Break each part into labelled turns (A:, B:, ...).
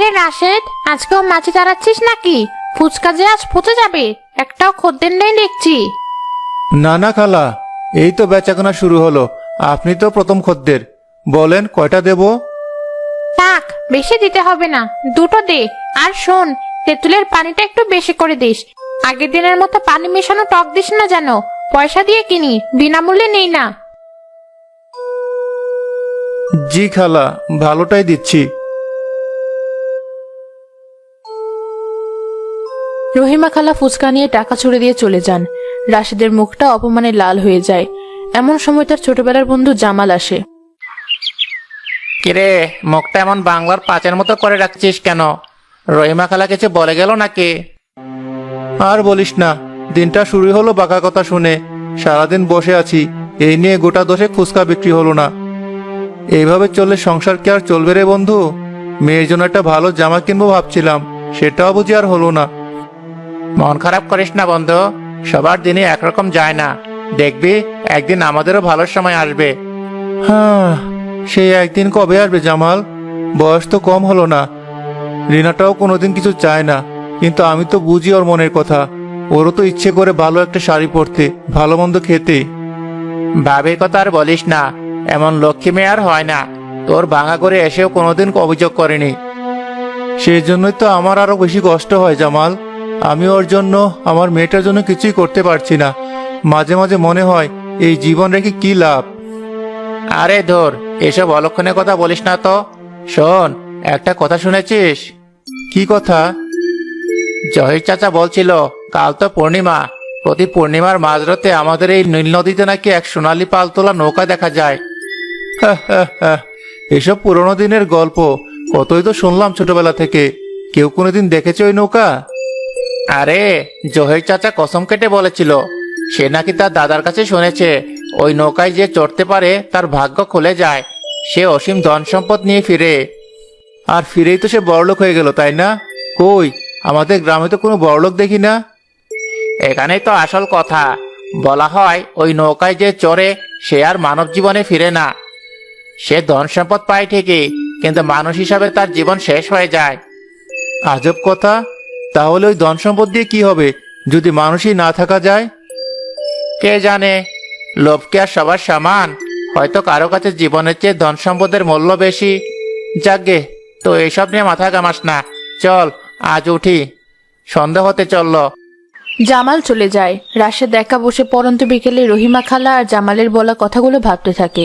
A: কিরে রাশেদ, আজকেও মাছি তাড়াচ্ছিস নাকি? ফুচকা যে আজ পচে যাবে, একটাও খদ্দের নেই দেখছি।
B: না না খালা, এই তো বেচাকেনা শুরু হলো। আপনি তো প্রথম খদ্দের, বলেন কয়টা দেব?
A: থাক, বেশি দিতে হবে না, দুটো দে। আর শোন, তেঁতুলের পানিটা একটু বেশি করে দিস। আগের দিনের মতো পানি মেশানো টক দিস না যেন। পয়সা দিয়ে কিনি, বিনামূল্যে নেই না।
B: জি খালা, ভালোটাই দিচ্ছি।
C: রহিমা খালা ফুচকা নিয়ে টাকা ছুড়ে দিয়ে চলে যান। রাশেদের মুখটা অপমানে লাল হয়ে যায়। এমন সময় তার ছোটবেলার বন্ধু জামাল আসে।
D: কিরে, মুখটা এমন বাংলার পাঁচের মতো করে রাখছিস কেন? রহিমা খালা কিছু বলে গেল নাকি?
B: আর বলিস না, দিনটা শুরু হলো বাঁকা কথা শুনে। সারাদিন বসে আছি, এই নিয়ে গোটা দশে ফুচকা বিক্রি হলো না। এইভাবে চললে সংসার কি আর চলবে রে বন্ধু? মেয়ের জন্য একটা ভালো জামা কিনবো ভাবছিলাম, সেটাও বুঝি আর হলো না।
D: মন খারাপ করিস না বন্ধু, সবার দিনই একরকম যায় না। দেখবি একদিন আমাদেরও ভালো সময় আসবে।
B: হ্যাঁ, সেই একদিন কবে আসবে জামাল? বয়স তো কম হলো না। রিনাটাও কোনোদিন কিছু চায় না, কিন্তু আমি তো বুঝি ওর মনের কথা। ওরও তো ইচ্ছে করে ভালো একটা শাড়ি পরতে, ভালো মন্দ খেতে।
D: ভাবির কথা আর বলিস না, এমন লক্ষ্মী মেয়ে আর হয় না। তোর ভাঙা করে এসেও কোনোদিন অভিযোগ করেনি।
B: সেই জন্যই তো আমার আরো বেশি কষ্ট হয় জামাল। আমি ওর জন্য, আমার মেয়েটার জন্য কিছুই করতে পারছি না। মাঝে মাঝে মনে হয় এই জীবন রেখে কি লাভ।
D: আরে ধর, এসব অলক্ষণের কথা বলিস না তো। শোন, একটা কথা শুনেছিস?
B: কি কথা?
D: জহির চাচা বলছিল কাল তো পূর্ণিমা, প্রতি পূর্ণিমার মাঝরাতে আমাদের এই নীল নদীতে নাকি এক সোনালী পালতোলা নৌকা দেখা যায়।
B: এসব পুরোনো দিনের গল্প, কতই তো শুনলাম ছোটবেলা থেকে। কেউ কোনোদিন দেখেছে ওই নৌকা?
D: আরে, জহির চাচা কসম কেটে বলেছিল, সে নাকি তার দাদার কাছে শুনেছে ওই নৌকায় যে চড়তে পারে তার ভাগ্য খুলে যায়, সে অসীম ধন সম্পদ নিয়ে ফিরে।
B: আর ফিরেই তো সে বড়লোক হয়ে গেল, তাই না? কই, আমাদের গ্রামে তো কোনো বড়লোক দেখি না।
D: এখানেই তো আসল কথা। বলা হয় ওই নৌকায় যে চড়ে সে আর মানব জীবনে ফিরে না। সে ধন সম্পদ পায় ঠিকই, কিন্তু মানুষ হিসাবে তার জীবন শেষ হয়ে যায়।
B: আজব কথা। তাহলে ওই ধন সম্পদ দিয়ে কি হবে যদি মানুষই না থাকা যায়?
D: কে জানে, লোভ কি আর সবার সমান? হয়তো কারো কাছে জীবনের চেয়ে ধন সম্পদের মূল্য বেশি। যাকগে, তো এইসব নিয়ে মাথা ঘামাস না। চল আজ উঠি, সন্ধ্যা হতে চললো।
C: জামাল চলে যায়। রাশেদ একা বসে পরন্ত বিকেলে রহিমা খালা আর জামালের বলা কথাগুলো ভাবতে থাকে।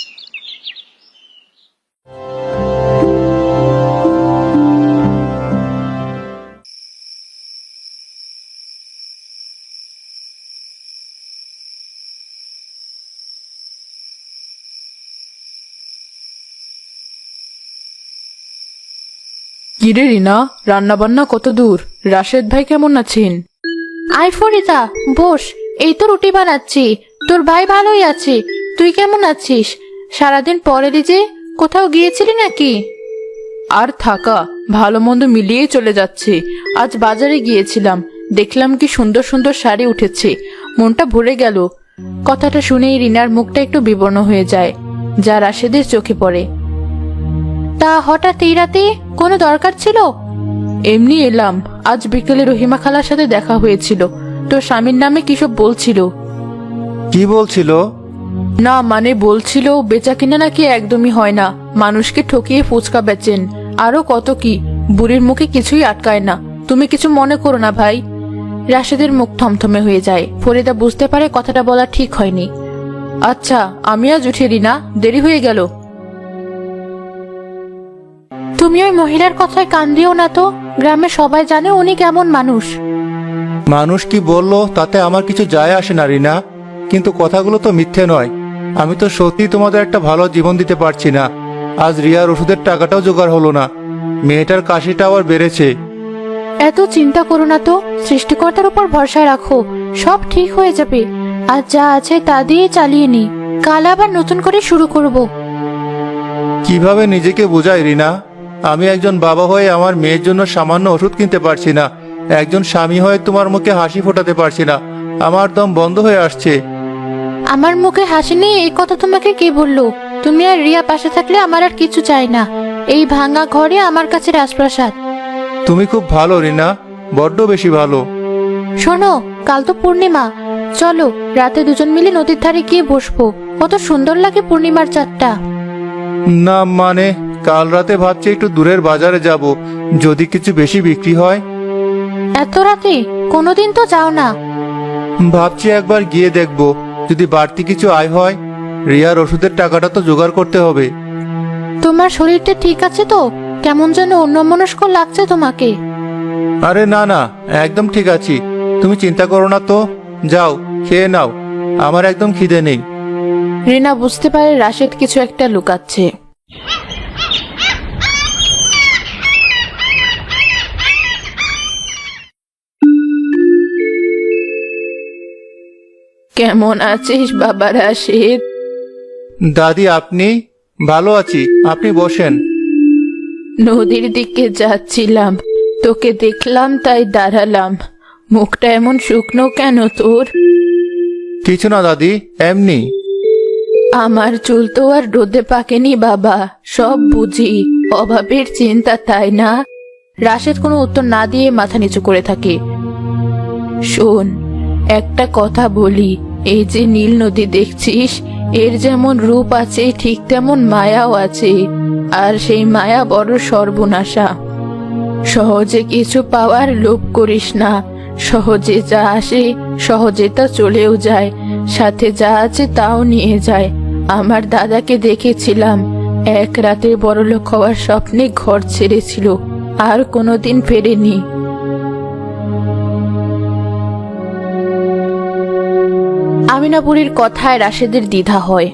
C: কিরে রিনা, রান্না বান্না কত দূর? রাশেদ ভাই কেমন আছেন?
A: আয় ফরিদা, বস। এই তো রুটি বানাচ্ছি। তোর ভাই ভালোই আছে, তুই কেমন আছিস? সারাদিন পরে যে কোথাও গিয়েছিলি নাকি?
C: আর থাকা, ভালো মন্দ মিলিয়েই চলে যাচ্ছে। আজ বাজারে গিয়েছিলাম, দেখলাম কি সুন্দর সুন্দর শাড়ি উঠেছে, মনটা ভরে গেল। কথাটা শুনেই রিনার মুখটা একটু বিবর্ণ হয়ে যায়, যা রাশেদের চোখে পড়ে।
A: তা হঠাৎ এই রাতে কোনো দরকার ছিল?
C: এমনি এলাম। আজ বিকেলে রহিমা খালার সাথে দেখা হয়েছিল, তোর স্বামীর নামে কিসব বলছিল।
B: কি বলছিল?
C: না মানে বলছিল বেচা কিনা নাকি একদমই হয় না, মানুষকে ঠকিয়ে ফুচকা বেচেন, আরো কত কি। বুড়ির মুখে কিছুই আটকায় না। তুমি কিছু মনে করো না ভাই। রাশেদের মুখ থমথমে হয়ে যায়। ফরিদা বুঝতে পারে কথাটা বলা ঠিক হয়নি। আচ্ছা, আমি আজ উঠি রিনা, দেরি হয়ে গেল।
A: তুমি ওই মহিলার কথায় কান দিও না তো। গ্রামে সবাই জানে উনি কেমন মানুষ।
B: মানুষ কি বললো তাতে আমার কিছু যায় আসে না রিনা, কিন্তু কথাগুলো তো মিথ্যে নয়। আমি তো সত্যি তোমাদের একটা ভালো জীবন দিতে পারছি না। আজ রিয়ার ওষুধের টাকাটাও জোগাড় হলো না, মেয়েটার কাশিটা আবার বেড়েছে।
A: এত চিন্তা করো না তো, সৃষ্টিকর্তার উপর ভরসা রাখো, সব ঠিক হয়ে যাবে। আজ যা আছে তা দিয়ে চালিয়ে নি, কাল আবার নতুন করে শুরু করব।
B: কিভাবে নিজেকে বোঝাই রিনা? আমি একজন বাবা হয়ে আমার মেয়ের জন্য সামান্য ওষুধ কিনতে পারছি না, একজন স্বামী হয়ে তোমার মুখে হাসি ফোটাতে পারছি না। আমার দম বন্ধ হয়ে আসছে।
A: আমার মুখে হাসি নেই এই কথা তোমাকে কে বললো? তুমি আর রিয়া পাশে থাকলে আমার আর কিছু চাই না।
C: এই ভাঙা ঘরে আমার কাছে রাজপ্রাসাদ।
B: তুমি খুব ভালো রিনা, বড্ড বেশি ভালো।
C: শোনো, কাল তো পূর্ণিমা, চলো রাতে দুজন মিলে নদীর ধারে গিয়ে বসবো। কত সুন্দর লাগে পূর্ণিমার চাঁদটা।
B: না মানে, কাল রাতে ভাবছি একটু দূরের বাজারে যাব, যদি কিছু বেশি বিক্রি হয়।
C: এত রাতে? কোনোদিন তো যাও না।
B: ভাবছি একবার গিয়ে দেখব, যদি বাড়তি কিছু আয় হয়। রিয়ার ওষুধের টাকাটা তো জোগাড় করতে হবে।
C: তোমার শরীরটা ঠিক আছে তো? কেমন যেন অন্যমনস্ক লাগছে তোমাকে।
B: আরে না না, একদম ঠিক আছি। তুমি চিন্তা করো না তো। যাও, খেয়ে নাও, আমার একদম খিদে নেই।
C: রিনা বুঝতে পারে রাশেদ কিছু একটা লুকাচ্ছে। কেমন আছিস বাবা রাশেদ?
B: দাদি আপনি? ভালো আছি, আপনি বসেন।
C: নদীর দিকে যাচ্ছিলাম, তোকে দেখলাম তাই দাঁড়ালাম। মুখটা এমন শুকনো কেন তোর?
B: কিছু না দাদি, এমনি।
C: আমার চুল তো আর রোদে পাকেনি বাবা, সব বুঝি, অভাবের চিন্তা, তাই না? রাশেদ কোনো উত্তর না দিয়ে মাথা নিচু করে থাকে। শোন, একটা কথা বলি, এই যে নীল নদী দেখছিস, এর যেমন রূপ আছে ঠিক তেমন মায়াও আছে। আর সেই মায়া বড় সর্বনাশা। সহজে কিছু পাওয়ার লোভ করিস না। সহজে যা আসে সহজে তা চলেও যায়, সাথে যা আছে তাও নিয়ে যায়। আমার দাদাকে দেখেছিলাম, এক রাতে বড়লোক হওয়ার স্বপ্নে ঘর ছেড়েছিল, আর কোনোদিন ফেরেনি। আমিনা বুড়ির কথায় রাশেদের দ্বিধা হয়।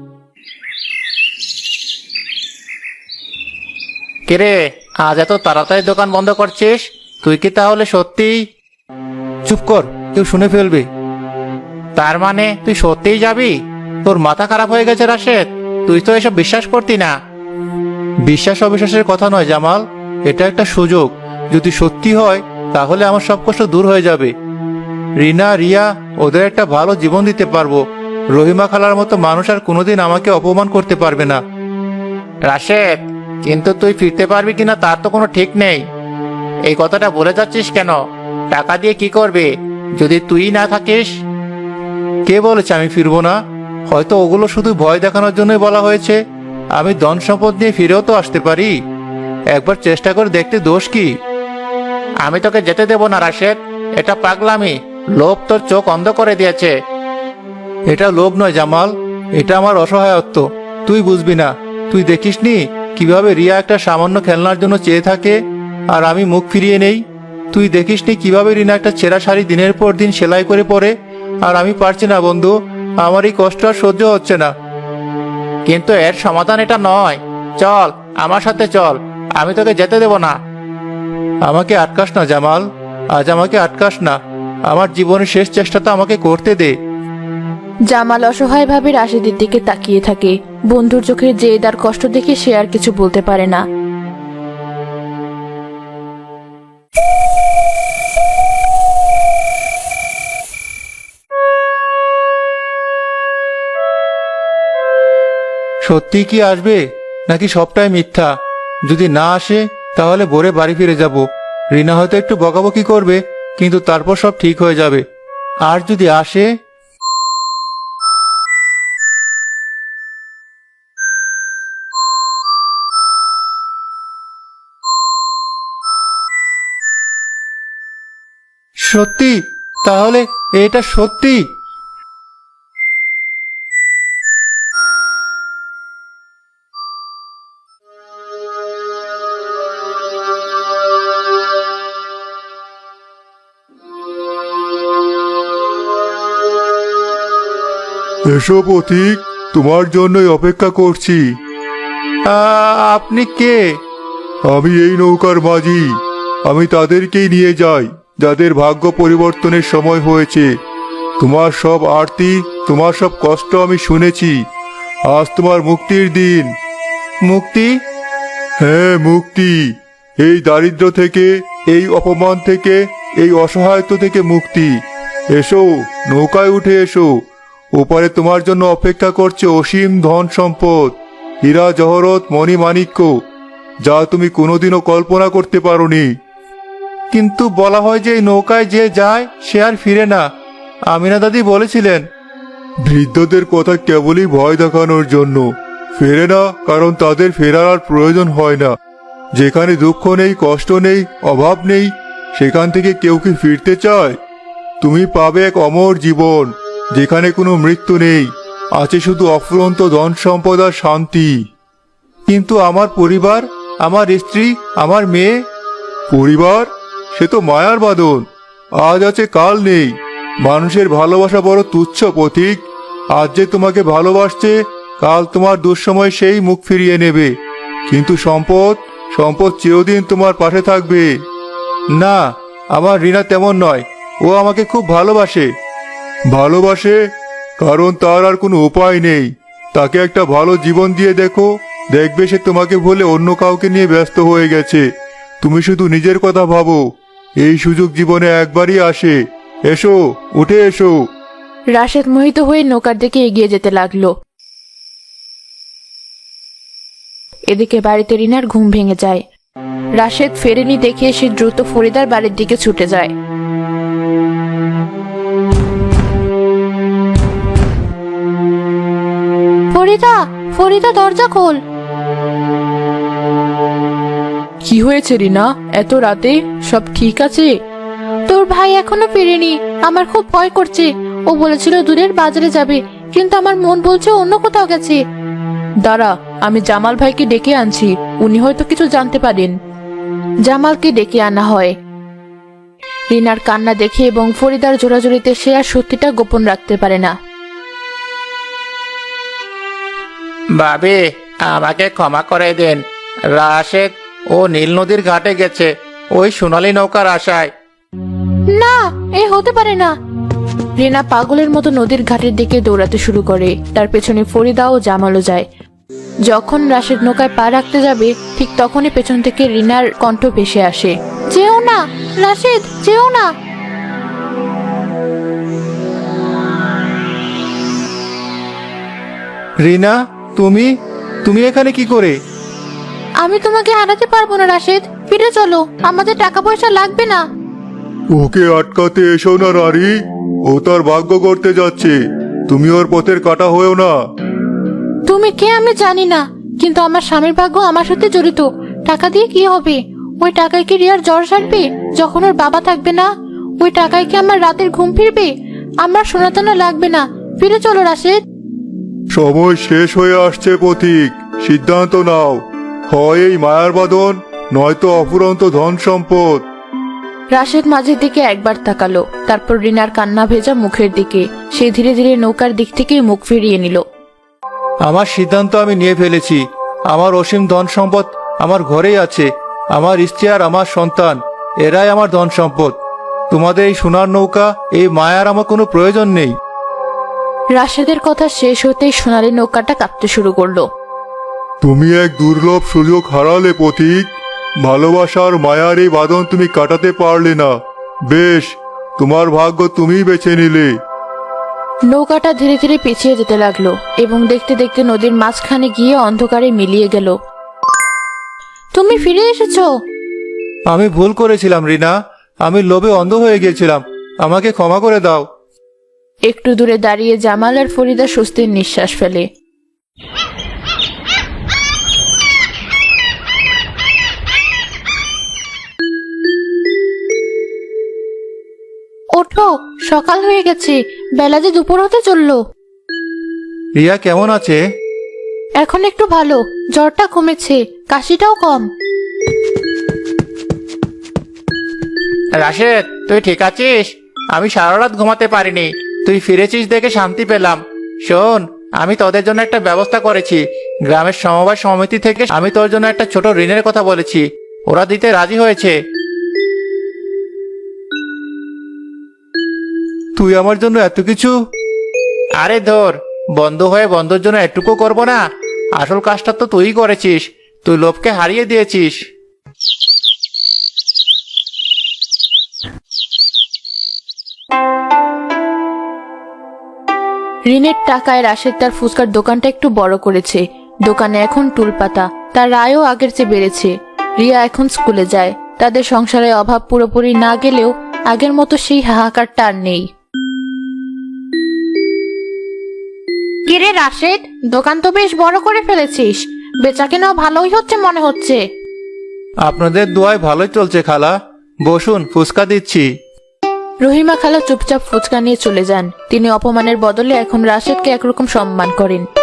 D: কিরে, আজ এত তাড়াতাড়ি দোকান বন্ধ করছিস? তুই কি তাহলে সত্যি?
B: চুপ কর, কেউ শুনে ফেলবে।
D: তার মানে তুই সত্যিই যাবি? তোর মাথা খারাপ হয়ে গেছে রাশেদ, তুই তো এসব বিশ্বাস করতি না।
B: বিশ্বাস অবিশ্বাসের কথা নয় জামাল, এটা একটা সুযোগ। যদি সত্যি হয় তাহলে আমার সব কষ্ট দূর হয়ে যাবে। রিনা, রিয়া, ওদের একটা ভালো জীবন দিতে পারবো। রহিমা খালার মতো মানুষ আর কোনোদিন আমাকে অপমান করতে পারবে না।
D: রাশেদ, কিন্তু তুই ফিরতে পারবি কিনা তার তো কোনো ঠিক নেই। এই কথাটা বলে যাচ্ছিস কেন? টাকা দিয়ে কি করবে যদি তুই না থাকিস?
B: কে বলেছে আমি ফিরবো না? হয়তো ওগুলো শুধু ভয় দেখানোর জন্যই বলা হয়েছে। আমি ধন সম্পদ নিয়ে ফিরেও তো আসতে পারি। একবার চেষ্টা করে দেখতে দোষ কি?
D: আমি তোকে যেতে দেব না রাশেদ, এটা পাগলামি। লোভ তোর চোখ অন্ধ করে দিয়েছে।
B: এটা লোভ নয় জামাল, এটা আমার অসহায়ত্ব। তুই বুঝবি না। তুই দেখিসনি কিভাবে রিয়া একটা সামান্য খেলনার জন্য চেয়ে থাকে, আর আমি মুখ ফিরিয়ে নেই? তুই দেখিসনি কিভাবে রিনা একটা ছেঁড়া শাড়ি দিনের পর দিন সেলাই করে পরে, আর আমি পারছি না বন্ধু। আমার এই কষ্ট আর সহ্য হচ্ছে না।
D: কিন্তু এর সমাধান এটা নয়। চল আমার সাথে চল, আমি তোকে যেতে দেব না।
B: আমাকে আটকাস না জামাল, আজ আমাকে আটকাস না। আমার জীবনের শেষ চেষ্টাটা আমাকে করতে দে।
C: জামাল অসহায়ভাবে রাশেদের দিকে তাকিয়ে থাকে। বন্ধুর চোখের জেদ আর কষ্ট দেখে সে আর কিছু বলতে পারে না।
B: সত্যি কি আসবে নাকি সবটাই মিথ্যা? যদি না আসে তাহলে ভোরে বাড়ি ফিরে যাব। রিনা হয়তো একটু বকাবকি করবে, কিন্তু তারপর সব ঠিক হয়ে যাবে। আর যদি আসে? সত্যি? তাহলে এটা সত্যি? এসো পথিক, তোমার জন্যই অপেক্ষা করছি। আপনি কে? আমি এই নৌকার মাঝি। আমি তাদেরকেই নিয়ে যাই যাদের ভাগ্য পরিবর্তনের সময় হয়েছে। তোমার সব আরতি, তোমার সব কষ্ট আমি শুনেছি। আজ তোমার মুক্তির দিন। মুক্তি? হ্যাঁ, মুক্তি। এই দারিদ্র্য থেকে, এই অপমান থেকে, এই অসহায়ত্ব থেকে মুক্তি। এসো, নৌকায় উঠে এসো। ওপারে তোমার জন্য অপেক্ষা করছে অসীম ধন সম্পদ, হীরা জহরত, মণি মাণিক্য। যা তুমি কোনোদিনও কল্পনা করতে পারোনি। কিন্তু বলা হয় যে এই নৌকায় যে যায় সে আর ফিরে না, আমিনা দাদি বলেছিলেন। বৃদ্ধদের কথা কেবলই ভয় দেখানোর জন্য, ফেরে না কারণ তাদের ফেরার আর প্রয়োজন হয় না। যেখানে দুঃখ নেই, কষ্ট নেই, অভাব নেই, সেখান থেকে কেউ কি ফিরতে চায়? তুমি পাবে এক অমর জীবন, যেখানে কোনো মৃত্যু নেই, আছে শুধু অফুরন্ত ধন সম্পদ আর শান্তি। কিন্তু আমার পরিবার, আমার স্ত্রী, আমার মেয়ে। পরিবার সে তো মায়ার বাঁধন, আজ আছে কাল নেই। মানুষের ভালোবাসা বড় তুচ্ছ পথিক। আজ যে তোমাকে ভালোবাসছে, কাল তোমার দুঃসময় সেই মুখ ফিরিয়ে নেবে। কিন্তু সম্পদ, সম্পদ চিরদিন তোমার পাশে থাকবে। না, আমার রিনা তেমন নয়। ও আমাকে খুব ভালোবাসে। ভালোবাসে কারণ তার আর কোনো উপায় নেই। তাকে একটা ভালো জীবন দিয়ে দেখো, দেখবে সে তোমাকে ভুলে অন্য কাউকে নিয়ে ব্যস্ত হয়ে গেছে। তুমি শুধু নিজের কথা ভাবো। এই সুযোগ জীবনে একবারই আসে। এসো, উঠে এসো।
C: রাশেদ মোহিত হয়ে নৌকার দিকে এগিয়ে যেতে লাগলো। এদিকে বাড়িতে রিনার ঘুম ভেঙে যায়। রাশেদ ফেরেনি দেখে সে দ্রুত ফরিদার বাড়ির দিকে ছুটে যায়।
A: ফরিদা, ফরিদা, দরজা খোল।
C: কি হয়েছে রিনা, এত রাতে? সব ঠিক আছে?
A: তোর ভাই এখনো ফিরেনি, আমার খুব ভয় করছে। ও বলেছিল দূরের বাজারে যাবে, কিন্তু আমার মন বলছে অন্য কোথাও গেছে।
C: দাঁড়া, আমি জামাল ভাইকে ডেকে আনছি, উনি হয়তো কিছু জানতে পারেন। জামালকে ডেকে আনা হয়। রিনার কান্না দেখে এবং ফরিদার জোরাজোরিতে সে আর সত্যিটা গোপন রাখতে পারে না।
D: ভাবি, আমাকে ক্ষমা করে দেন। রাশেদ ও নীল নদীর ঘাটে গেছে ওই সোনালী নৌকার আশায়।
A: না, এ হতে পারে না।
C: রিনা পাগলের মতো নদীর ঘাটের দিকে দৌড়াতে শুরু করে। তার পেছনে ফরিদা ও জামালও যায়। যখন রাশেদ নৌকায় পা রাখতে যাবে, ঠিক তখনই পেছন থেকে রিনার কণ্ঠ ভেসে আসে।
A: যেও না রাশেদ, যেও না।
B: রিনা, তুমি তুমি এখানে কি করে?
A: আমি তোমাকে হারাতে পারবো না রাশেদ, ফিরে চলো, আমাদের টাকা পয়সা লাগবে না।
B: ওকে আটকাতে এসো না নারী। ও তার ভাগ্য করতে যাচ্ছে, তুমি ওর পথের কাটা হয়েও না।
A: তুমি কে আমি জানি না, কিন্তু আমার স্বামীর ভাগ্য আমার সাথে জড়িত। টাকা দিয়ে কি হবে? ওই টাকায় কি রিয়ার জ্বর সারবে যখন ওর বাবা থাকবে না? ওই টাকায় কি আমার রাতের ঘুম ফিরবে? আমার সোনাতানা লাগবে না, ফিরে চলো রাশেদ।
B: সময় শেষ হয়ে আসছে পথিক, সিদ্ধান্ত নাও। হয় এই মায়ার বাঁধন, নয়তো অফুরন্ত ধন সম্পদ।
C: রাশেদ মাঝের দিকে একবার তাকালো, তারপর রিনার কান্না ভেজা মুখের দিকে। সে ধীরে ধীরে নৌকার দিক থেকে মুখ ফিরিয়ে নিল।
B: আমার সিদ্ধান্ত আমি নিয়ে ফেলেছি। আমার অসীম ধন সম্পদ আমার ঘরেই আছে। আমার স্ত্রী আর আমার সন্তান, এরাই আমার ধন সম্পদ। তোমাদের এই সোনার নৌকা, এই মায়ার আমার কোনো প্রয়োজন নেই।
C: রাশেদের কথা শেষ হতেই সোনালী নৌকাটা কাঁপতে শুরু করলো।
B: তুমি এক দুর্লভ সুযোগ হারালে পথিক। ভালোবাসার মায়ার এই বাঁধন তুমি কাটাতে পারলে না। বেশ, তোমার ভাগ্য তুমিই বেছে নিলে।
C: নৌকাটা ধীরে ধীরে পিছিয়ে যেতে লাগলো এবং দেখতে দেখতে নদীর মাঝখানে গিয়ে অন্ধকারে মিলিয়ে গেল।
A: তুমি ফিরে এসেছো।
B: আমি ভুল করেছিলাম রিনা, আমি লোভে অন্ধ হয়ে গিয়েছিলাম। আমাকে ক্ষমা করে দাও।
C: একটু দূরে দাঁড়িয়ে জামাল আর ফরিদা স্বস্তির নিঃশ্বাস ফেলে।
A: ওঠো, সকাল হয়ে গেছে, বেলা যে দুপুর হতে চললো।
B: রিয়া কেমন আছে?
A: এখন একটু ভালো, জ্বরটা কমেছে, কাশিটাও কম।
D: রাশেদ, তুই ঠিক আছিস? আমি সারা রাত ঘুমাতে পারিনি, তুই ফিরেছিস দেখে শান্তি পেলাম। শোন, আমি তোদের জন্য একটা ব্যবস্থা করেছি। গ্রামের সমবায় সমিতি থেকে আমি তোর জন্য একটা ছোট ঋণের কথা বলেছি, ওরা দিতে রাজি হয়েছে।
B: তুই আমার জন্য এত কিছু?
D: আরে ধর, বন্ধু হয়ে বন্ধুর জন্য এটুকু করবো না? আসল কাজটা তো তুই করেছিস, তুই লোভকে হারিয়ে দিয়েছিস।
C: ঋণের টাকায় রাশেদ তার ফুচকার দোকানটা একটু বড় করেছে। দোকানে এখন টুলপাতা, তার আয়ও আগের চেয়ে বেড়েছে। রিয়া এখন স্কুলে যায়, তাদের সংসারে অভাব পুরোপুরি না গেলেও আগের মতো সেই হাহাকারটা আর নেই।
A: কিরে রাশেদ, দোকান তো বেশ বড় করে ফেলেছিস, বেচাকেনাও ভালোই হচ্ছে মনে হচ্ছে।
B: আপনাদের দোয়ায় ভালোই চলছে খালা, বসুন ফুচকা দিচ্ছি।
C: রহিমা খালা চুপচাপ ফুচকা নিয়ে চলে যান। তিনি অপমানের বদলে এখন রাশেদকে একরকম সম্মান করেন।